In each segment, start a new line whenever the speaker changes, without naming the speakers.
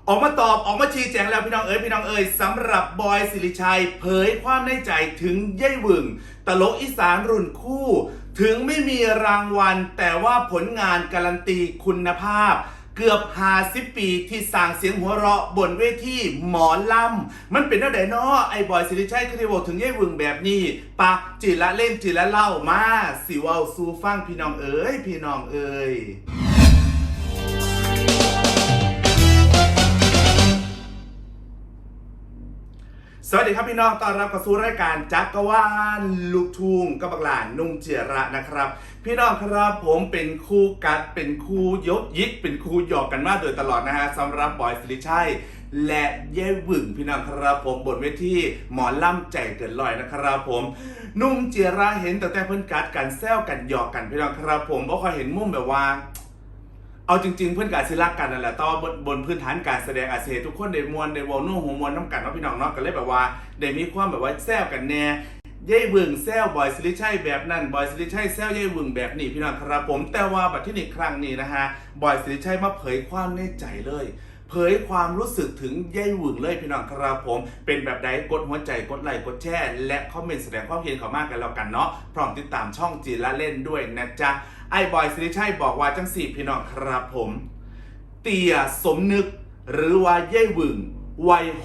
ออกมาตอบออกมาชี้แจงแล้วพี่น้องเอ๋ยสำหรับบอยสิริชัยเผยความในใจถึงเย่ยวึงตลกอีสานรุ่นคู่ ถึงไม่มีรางวัลแต่ว่าผลงานการันตีคุณภาพ เกือบ50 ปีที่สร้างเสียงหัวเราะบนเวทีหมอลำมันเป็นอะไรเนาะไอ้บอยสิริชัยคือที่บอกถึงเย่ยวึงแบบนี้ปะจิละเล่นจิละเล่ามาสิว่าสู่ฟังพี่น้องเอ๋ยสวัสดีครับพี่น้องต้อนรับเข้าสู่รายการจักรวาลลูกทุ่งกับบักหลานนุ่งเจียระนะครับพี่น้องครับผมเป็นคู่กัดเป็นคู่ยกยิกเป็นคู่หยอกกันมาโดยตลอดนะฮะสำหรับบอยสิริชัยและเย่วึงพี่น้องครับผมบนเวทีหมอล่ำใจเกินลอยนะครับผมนุ่งเจียระเห็นแต่เพิ่นกัดกันแซวกันหยอกกันพี่น้องครับผมบ่ค่อยเห็นมุมแบบว่าเอาจริงๆเพื่อนการศิลากันนั่นแหละต่อบนพื้นฐานการแสดงอาเซทุกคนได้มวลได้วอลนุ่งหัวมวลน้ำกันเนาะพี่น้องเนาะก็เลยแบบว่าได้มีความแบบว่าแซวกันแน่เย่วึงแซวบอยสิริชัยแบบนั้นบอยสิริชัยแซวเย่วึงแบบนี้พี่น้องครับผมแต่ว่าบัดที่นี่ครั้งนี้นะฮะบอยสิริชัยมาเผยความในใจเลยเผยความรู้สึกถึงเย่วึงเลยพี่น้องครับผมเป็นแบบใดกดหัวใจกดไลค์กดแชร์และคอมเมนต์แสดงความเห็นเข้ามากันแล้วกันเนาะพร้อมติดตามช่องจีละเล่นด้วยนะจ๊ะไอ้บอยสิริชัยบอกว่าจังสี่พี่น้องครับผมเตี่ยสมนึกหรือว่าเย่วึงวัย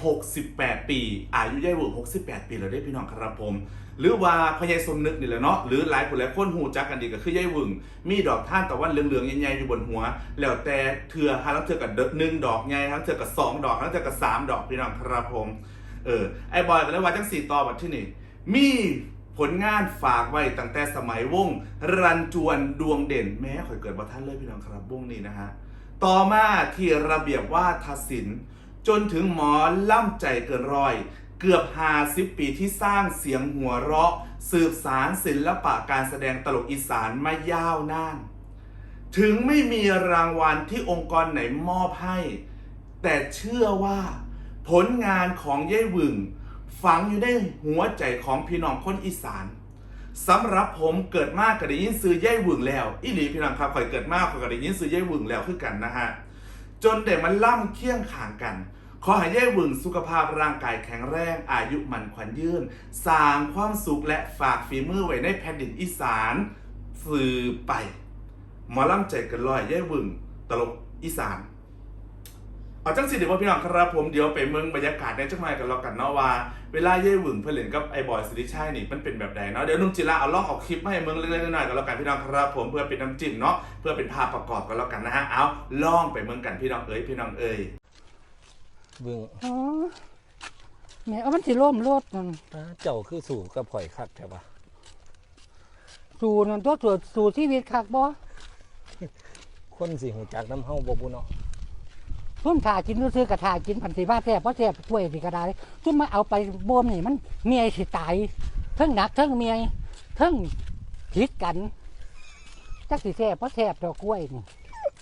68 ปีอายุเย่วึง68 ปีแล้วได้พี่น้องครับผมหรือว่าพญายสมนึกนี่แหละเนาะหรือหลายคนหูจักกันดีก็คือเย่วึงมีดอกท่านตะวันเหลืองๆใหญ่ๆอยู่บนหัวแล้วแต่เถื่อฮาลังเถื่อกับ1 ดอกไงทั้งเถื่อกับ2 ดอกทั้งเถื่อกับ3 ดอกพี่น้องครับผมไอ้บอยก็เลยว่าจัง4ต่อบัดที่นี่มีผลงานฝากไว้ตั้งแต่สมัยวงรันจวนดวงเด่นแม้ข่อยเกิดบ่ทันเลยพี่น้องครับวงนี้นะฮะต่อมาที่ระเบียบวาทศิลป์จนถึงหมอล่ำใจเกินร้อยเกือบ50 ปีที่สร้างเสียงหัวเราะสืบสารศิลปะการแสดงตลกอีสานมายาวนานถึงไม่มีรางวัลที่องค์กรไหนมอบให้แต่เชื่อว่าผลงานของเย่วึงฝังอยู่ในหัวใจของพี่น้องคนอีสานสำหรับผมเกิดมากก็ได้ยินซื้อเย่วึงแล้วอีหลีพี่น้องครับข่อยเกิดมากข่อยก็ได้ยินซื้อเย่วึงแล้วคือกันนะฮะจนได้มันล่ำเคียงข้างกันขอให้เย่วึงสุขภาพร่างกายแข็งแรงอายุมันขวัญยืนสร้างความสุขและฝากฝีมือไว้ในแผ่นดินอีสานสืบไปหมอล่ำใจเกินร้อยเย่วึงตลกอีสานเอาจังสิเดี๋ยวพี่น้องครับผมเดี๋ยวไปเมืองบรรยากาศในจังหวัดกันแล้วกันเนาะว่าเวลาเย่วึงเพื่อนเล่นกับไอ้บอยสิริชัยนี่มันเป็นแบบใดเนาะเดี๋ยวนุ่มจิระเอาล่องออกคลิปมาให้เมืองเล็กๆน้อยๆกันแล้วกันพี่น้องครับผมเพื่อเป็นน้ำจิ้มเนาะเพื่อเป็นภาพประกอบกันแล้วกันนะฮะเอาล่องไปเมืองกันพี่น้องเอ๋ย
เบิ่ง
อ๋อแม่เอามันสิล่มรถนั่น
เจ้าคือสู่กับข่อยคักแท้ปะ
สู่นั่นตัวสู่ชีวิตคักบ่
คนสิหูจักน้ำเฮาบ่บุเนาะ
ซุ่มถ่ากินซื้อกระถ่ากินพันสิบ้าแซ่บบ่แซ่บถ้วยสิกระไดซุ่มมาเอาไปบ่มนี่มันเมียสิตายเทิงหนักเทิงเมียเทิงผิดกันจักสิแซ่บบ่แซ่บดอกกล้วยนี่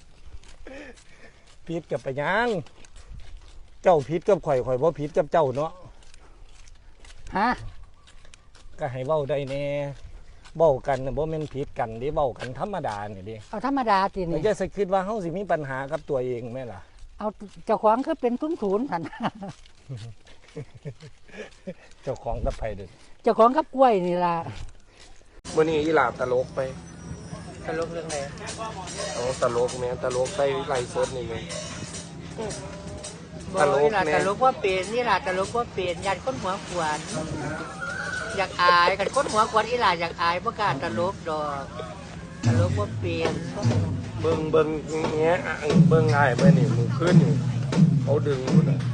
ผิดกับไปยังเจ้าผิดกับข่อยบ่ผิดกับเจ้าเนาะ
ฮะ
ก็ให้เว้าได้แน่เว้ากันบ่แม่นผิดกันเด้เว้ากันธรรมดานี่เด้
เอาธรรมดาตินี่
อย่าสิคิดว่าเฮาสิมีปัญหากับตัวเองแม่ล่ะ
เอาเจ้าของคือเป็นศูนย์ซั่น
เจ้าของกับไผเด้อ
เจ้าของกับกล้วยนี่ล่ะ
มื้อนี้อีหลาตลกไป
ตลกเรื่องใด
อ๋อตลกแม่ตลกไปไลฟ์สดนี่แม่
ตลกนี่ล่ะตลกว่าเป็นนี่ล่ะตลกว่าเป็นญาติคนหัวขวานอยากอายกันคนหัวขวานอีหล่าอยากอายบ่กล้าตลกดอกตลกว่าเป็น
เบิ่งเงี้ยเบิ่งง่ายไปนี่มือขึ้นอยู่เขาดึงพุ่นน่ะ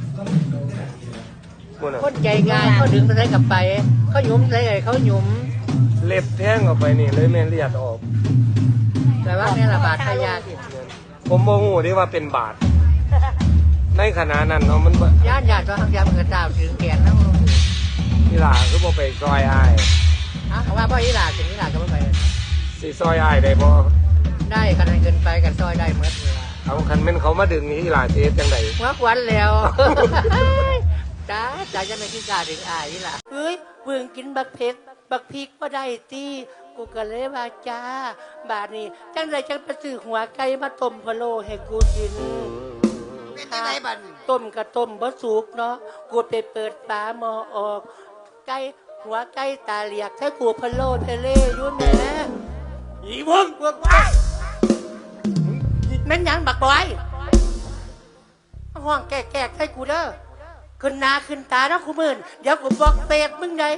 คนใจง่ายเขาดึงไปได้กับไปเขาหยุมใส่เขาหยุม
เล็บแทงออกไปนี่เลยแม่เลียดออก
แต่ว่าเนี่ยละบาดทายาที่
ผมโมโหที่ว่าเป็นบาดในขณะนั้นเนาะมัน
ย่านตัวทางยามเกิดดาวถึงแขนนะ
อีหล่าคือบ่ไปซอยอ้าย
ฮะว่าพ่ออีหล่าถึงอีหล่าก็บ่ไป
สิซอยอ้ายได้บ่
ได้กันเกินไปกันซอยได้หมดเลย
เอาคันแม่นเขามาดึงนี่อีหล่าสิเฮ็ดจังได๋
หัวขวัญแล้วจ้าจะไม่คิดกล้าถึงอ้ายอีหล่าเฮ้ยเบิ่งกินบักเผ็ดบักพริกบ่ได้ติกูก็เลยว่าจ้าบาดนี้จังได๋จังไปซื้อหัวไก่มาต้มพะโล้ให้กูกิน
เป็นจังไดบัดนี้
ต้มกระต้มบ่สุกเนาะกูไปเปิดฝาหม้อออกไก่หัวไก่ตาเหลียกใช้กูพะโล้ทะเลอยู่แหม่
อีเบิ่ง
พวกว้ายแม่นหยังบักบอยห้องแก่ๆให้กูเด้อขึ้นหน้าขึ้นตาเนาะกูมื่นเดี๋ยวกูบอกเปรตมึงได้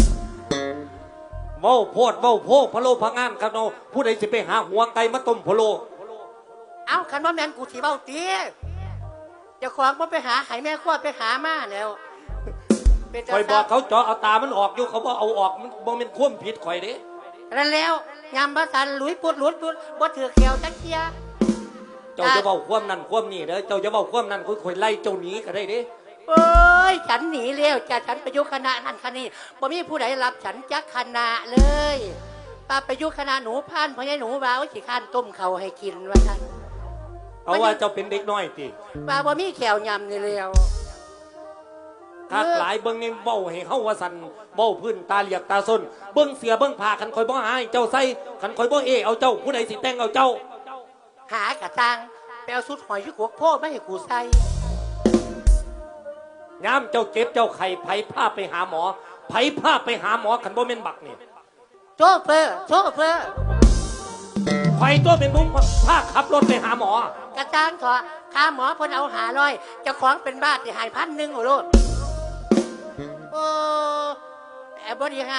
เว้าโพดเว้าโพพะโลพะงามครับเนาะผู้ใดสิไปหาหัวไก่มาต้มพะโล
เอ้าคันว่าแม่นกูสิเบ้าเตี้ยเจ้าของบ่ไปหาไห้แม่ขั้วไปหามาแล้วเป็น
ข่อยบอกเขาเจาะเอาตามันออกอยู่เขาบ่เอาออกมันบ่แม่นความผิดข่อยเด้
นั่นแล้วยามบ่ทันหลุยปุดหลุดบ่ถือแขวจักเที่ย
เจ้าจะเว้าความนั้นความนี้เด้อเจ้าจะเว้าความนั้นข่อยไล่เจ้าหนีก็ได้เด้
เอ้ยฉันหนีแล้วจ้ะฉันไปอยู่คณะนั่นคณะนี้บ่มีผู้ใดรับฉันจักคณะเลยป้าไปอยู่คณะหนูพานพ่อใหญ่หนูว่าโอ้ยสิข้านต้มเขาวให้กินว่าซั่น
เอาว่าเจ้าเป็นเด็กน้อยติ
ป้าบ่มีแขวยำนี่แล้ว
ถ้าหลายเบิ่งนี่เว้าให้เฮาว่าสั่นเว้าพื้นตาเหลียกตาส้นเบิ่งเสียเบิ่งผ้าคันข่อยบ่หาให้เจ้าใส่คันข่อยบ่เอาเจ้าผู้ใดสิแต่งเอาเจ้า
หากระตังไปเอาสุดหอยชุกหัวโพไม่ให้กูใส่
ยามเจ้าเจ็บเจ้าไข้ไผพาไปหาหมอไผพาไปหาหมอคันบ่แม่นบักนี่
โชเฟอร์
ข่อยตัวเป็นมุ้งพาขับรถไปหาหมอ
กระตังเถอะค่าหมอเพิ่นเอา500เจ้าของเป็นบ้าสิหาย1,000โอ้โลดโอ้แต่บ่ได้ให้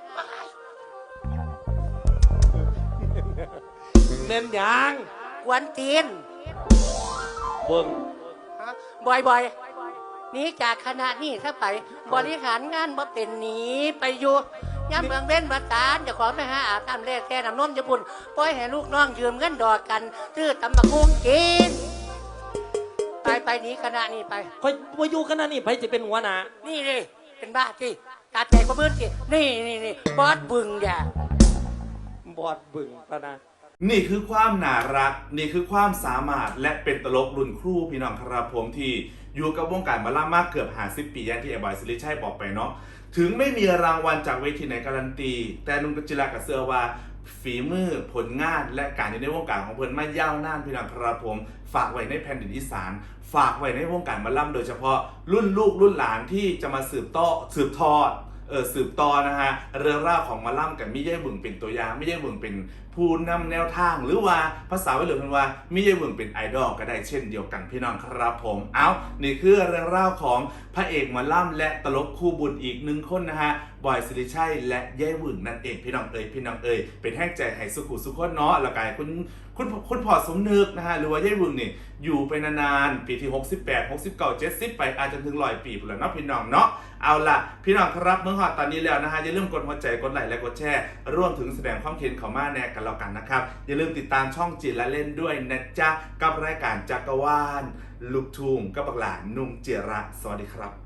เน้นหยัง
กวนตีน
เบิ่ง
บ่อยหนีจากคณะนี้ถ้าไปบริหารงานบ่เป็นหนีไปอยู่ย่ำเมืองเว้นบัตารเจ้าของไปหาอาบน้ำแร่แท้น้ำนมญี่ปุ่นปล่อยให้ลูกน้องยืมเงินดอกกันซื้อตำบักหุ่งกินไปหนีคณะนี้ไป
ข่อยบ่อยู่ขนาดนี้ไผสิเป็นหัวหน้า
นี่เลยเป็นบ้าที่ตาใจกว่ามืดที่นี่บอสบึงอย่า
บอดบึงปะนะ
นี่คือความน่ารัก นี่คือความสามารถและเป็นตลกรุ่นครูพี่น้องครับผมที่อยู่กับวงการหมาล่ามากเกือบ50 ปีอย่างที่ไอ้บอยสิริชัยบอกไปเนาะถึงไม่มีรางวัลจากเวทีไหนการันตี แต่นุ่มกจิรากับเสือว่าฝีมือผลงานและการอยู่ในวงการของเพิ่นมายาวนานพี่น้องครับผมฝากไว้ในแผ่นดินอีสานฝากไว้ในวงการหมาล่ำโดยเฉพาะรุ่นลูกรุ่นหลานที่จะมาสืบทอดสืบต่อนะฮะเรื่องราวของหมาล่ำกับมิเย่บึงเป็นตัวอย่างมิเย่บึงเป็นผู้นำแนวทางหรือว่าภาษาวัยรุ่นเพิ่นว่ามิเย่บึงเป็นไอดอลก็ได้เช่นเดียวกันพี่น้องครับผมนี่คือเรื่องราวของพระเอกหมาล่ำและตลกคู่บุญอีกหนึ่งคนนะฮะบอยสิริชัยและเย่บึงนั่นเองพี่น้องเอ๋ยเป็นแห้งใจให้สุขุสุขคนเนาะแล้วก็คุณพ่อสมนึกนะฮะหรือว่าเย่บึงนี่อยู่ไปนานๆปีที่68 69 70ไปอาจจะถึง100 ปีพุ่นแล้วเนาะพี่น้องเนาะเอาล่ะพี่น้องครับเมื่อฮอดตอนนี้แล้วนะฮะอย่าลืมกดหัวใจกดไลค์และกดแชร์ร่วมถึงแสดงความคิดเห็นเข้ามาแน่กันแล้วกันนะครับอย่าลืมติดตามช่องจิตและเล่นด้วยนะจ๊ะกับรายการจักรวาลลูกทุ่งกับบักหลานนุ่มเจยระสวัสดีครับ